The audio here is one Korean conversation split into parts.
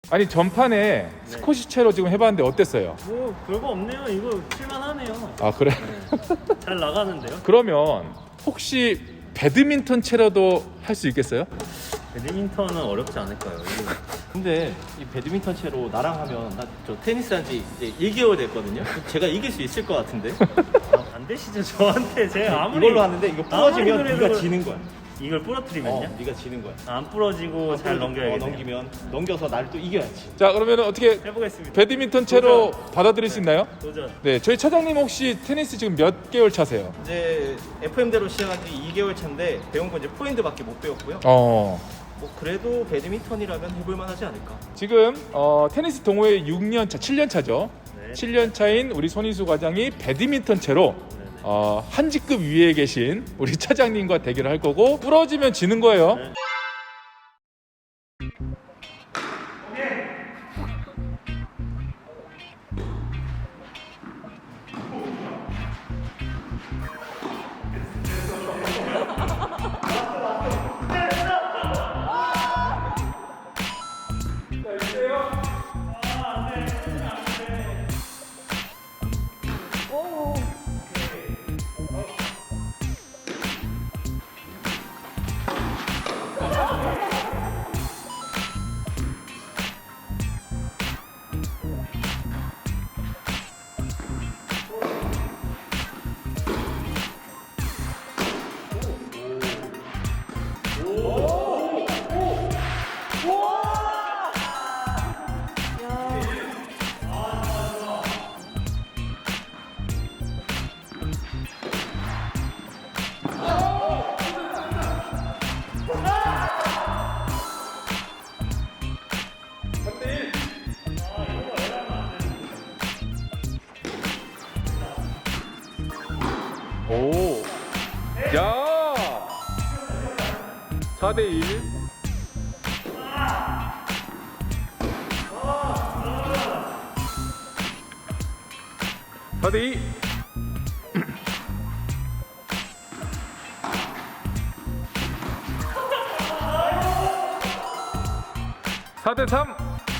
아니 전판에 스쿼시 채로 지금 해봤는데 어땠어요? 뭐 별거 없네요. 이거 칠만하네요. 아 그래? 잘 나가는데요. 그러면 혹시 배드민턴 채로도 할 수 있겠어요? 배드민턴은 어렵지 않을까요? 근데 이 배드민턴 채로 나랑 하면 나 저 테니스 한지 이제 2개월 됐거든요. 제가 이길 수 있을 것 같은데. 안 되시죠 저한테. 제가 아무리 이걸로 하는데 이거 부러지면 아무리 네가 그래도 지는 거야. 이걸 부러뜨리면요? 네가 지는 거야. 안 부러지고 잘 넘겨야겠네요. 넘기면 넘겨서 나를 또 이겨야지. 자 그러면 어떻게 해보겠습니다. 배드민턴 채로 받아들일 수 있나요? 도전. 네, 저희 차장님 혹시 테니스 지금 몇 개월 차세요? 이제 FM대로 시작한 지 2개월 차인데 배운 건 이제 포핸드밖에 못 배웠고요. 어. 뭐 그래도 배드민턴이라면 해볼 만하지 않을까. 지금 테니스 동호회 6년 차, 7년 차죠. 네. 7년 차인 우리 손희수 과장이 배드민턴 채로 한 직급 위에 계신 우리 차장님과 대결을 할 거고 부러지면 지는 거예요. 네. 오. 야. 4대 1. (4대 2) 4대 3.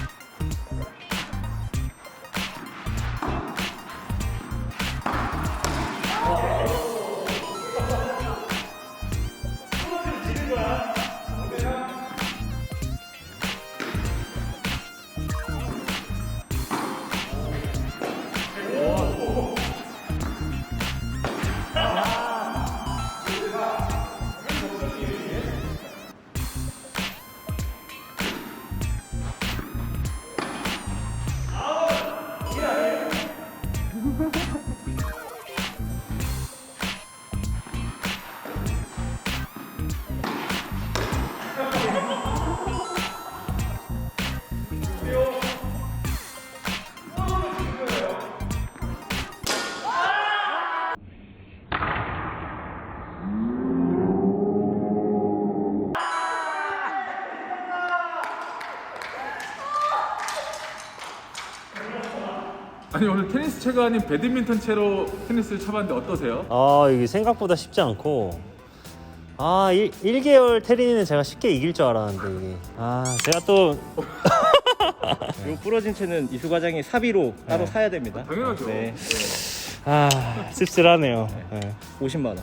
아니 오늘 테니스 채가 아닌 배드민턴 채로 테니스를 쳐봤는데 어떠세요? 이게 생각보다 쉽지 않고 1개월 테린은 제가 쉽게 이길 줄 알았는데 이게 제가 또 요 부러진 채는 이수 과장이 사비로 따로 네. 사야 됩니다. 당연하죠. 네. 씁쓸하네요. 50만 원.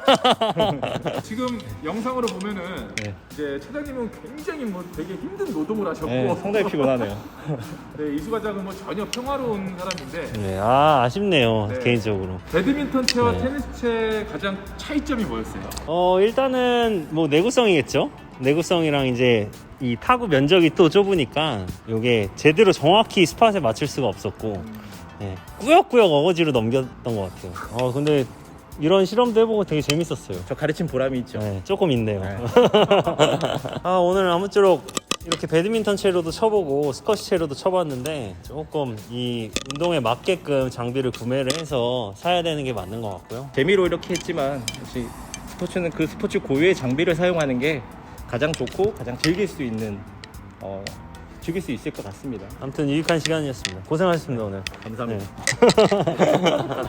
지금 영상으로 보면은 네. 이제 차장님은 굉장히 뭐 되게 힘든 노동을 하셨고 네, 상당히 피곤하네요. 네, 이수 과장은 뭐 전혀 평화로운 사람인데 네, 아쉽네요. 네. 개인적으로. 배드민턴 채와 네. 테니스 채 가장 차이점이 뭐였어요? 일단은 뭐 내구성이겠죠. 내구성이랑 이제 이 타구 면적이 또 좁으니까 이게 제대로 정확히 스팟에 맞출 수가 없었고 네, 꾸역꾸역 어거지로 넘겼던 것 같아요. 근데 이런 실험도 해보고 되게 재밌었어요. 저 가르친 보람이 있죠. 네, 조금 있네요. 네. 오늘 아무쪼록 이렇게 배드민턴 채로도 쳐보고 스쿼시 채로도 쳐봤는데 조금 이 운동에 맞게끔 장비를 구매를 해서 사야 되는 게 맞는 것 같고요. 재미로 이렇게 했지만 역시 스포츠는 그 스포츠 고유의 장비를 사용하는 게 가장 좋고 가장 즐길 수 있는 즐길 수 있을 것 같습니다. 아무튼 유익한 시간이었습니다. 고생하셨습니다 오늘. 감사합니다. 네.